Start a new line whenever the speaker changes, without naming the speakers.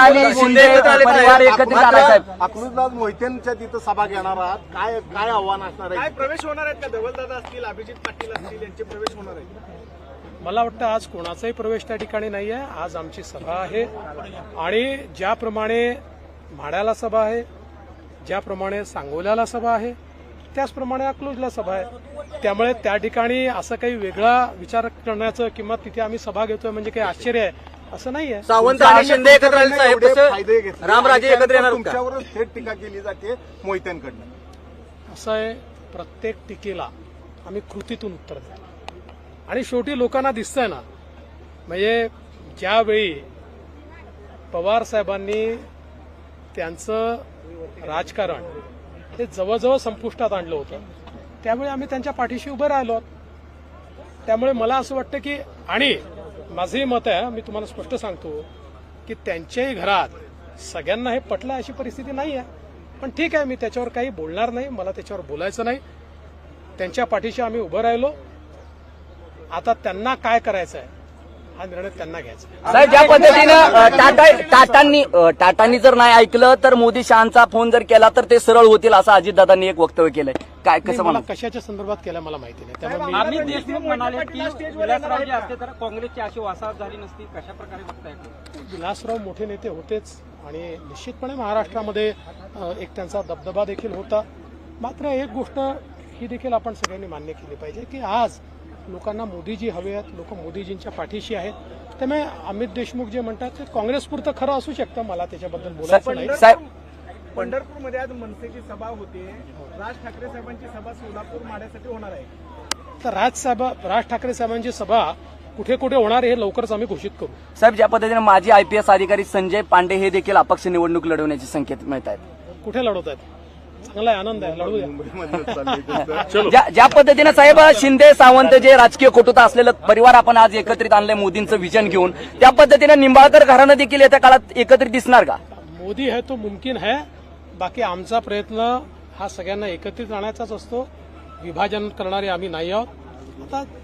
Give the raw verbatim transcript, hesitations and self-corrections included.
आणि शिंदे परिवार एकत्रित आला साहेब.
अकलूजला मोहितेंच्या तिथं सभा घेणार आहात, काय काय आव्हान असणार आहे?
काय प्रवेश होणार आहेत का? धवलदादा असतील, अभिजित पाटील असतील, यांचे प्रवेश होणार आहेत?
मला वाटतं आज कोणाचाही प्रवेश त्या ठिकाणी नाही आहे. आज आमची सभा आहे आणि ज्याप्रमाणे म्हाड्याला सभा आहे, ज्याप्रमाणे सांगोल्याला सभा आहे, त्याचप्रमाणे अकलूजला सभा आहे. त्यामुळे त्या ठिकाणी असं काही वेगळा विचार करण्याचं किंवा तिथे आम्ही सभा घेतोय म्हणजे काही आश्चर्य आहे असं नाहीये.
सावंत आणि शिंदे एकत्र आले साहेब.
एवढे
तसं
फायदे घेतले,
रामराजे एकत्र येणार का?
तुमच्यावरच थेट टीका केली जाते मोहित्यांकडनं.
असं आहे, प्रत्येक टीकेला आम्ही कृतीतून उत्तर द्या आणि शेवटी लोकांना दिसतंय ना, म्हणजे ज्यावेळी पवार साहेबांनी त्यांचं राजकारण हे जवळजवळ संपुष्टात आणलं होतं त्यावेळी आम्ही त्यांच्या पाठीशी उभं राहिलो. त्यामुळे मला असं वाटतं की, आणि माझंही मत आहे, मी तुम्हाला स्पष्ट सांगतो की त्यांच्याही घरात सगळ्यांना हे पटलं अशी परिस्थिती नाही आहे. पण ठीक आहे, मी त्याच्यावर काही बोलणार नाही, मला त्याच्यावर बोलायचं नाही. त्यांच्या पाठीशी आम्ही उभं राहिलो. आता त्यांना काय करायचं आहे हा निर्णय त्यांना घ्यायचा.
साहेब, ज्या पद्धतीनं टाटा टाटांनी टाटांनी जर नाही ऐकलं तर मोदी शहांचा फोन जर केला तर ते सरळ होतील असं अजितदादांनी एक वक्तव्य केलंय. काय कसं
मला
म्हणा?
कशाच्या संदर्भात केलं मला माहिती नाही. त्यामुळे मी
अमित देशमुख म्हणाले की विलासराव जे असते तर काँग्रेसची अशी वासाहत झाली नसती. कशा प्रकारे बघताय?
विलासराव मोठे नेते होतेच आणि निश्चितपणे महाराष्ट्रामध्ये एक त्यांचा दबदबा देखील होता. मात्र एक गोष्ट ही देखील आपण सगळ्यांनी मान्य केली पाहिजे की आज लोकांना मोदीजी हवे आहेत, लोक मोदीजींच्या पाठीशी आहेत. त्यामुळे अमित देशमुख जे म्हणतात ते काँग्रेसपुरतं खरं असू शकतं, मला त्याच्याबद्दल बोलायचं नाही.
साहेब,
पंढरपूरमध्ये आज मनसेची सभा होते, राज ठाकरे साहेबांची सभा सोलापूर माड्यासाठी होणार आहे.
तर राज साहेब राज ठाकरे साहेबांची सभा कुठे कुठे होणार हे लवकरच आम्ही घोषित करू.
साहेब, ज्या पद्धतीने माजी आयपीएस अधिकारी संजय पांडे हे देखील अपक्ष निवडणूक लढवण्याचे संकेत मिळत आहेत.
कुठे लढवत आहेत? चांगला आहे, आनंद आहे, लढवूया.
ज्या ज्या पद्धतीने साहेब शिंदे सावंत जे राजकीय कटुता असलेलं परिवार आपण आज एकत्रित आणलंय मोदींचं विजन घेऊन, त्या पद्धतीने निंबाळकर घराणं देखील येत्या काळात एकत्रित दिसणार का?
मोदी है तो मुमकिन है. बाकी आमचा प्रयत्न हा सगळ्यांना एकत्रित आणायचाच असतो. विभाजन करणारे आम्ही नाही आहोत. आता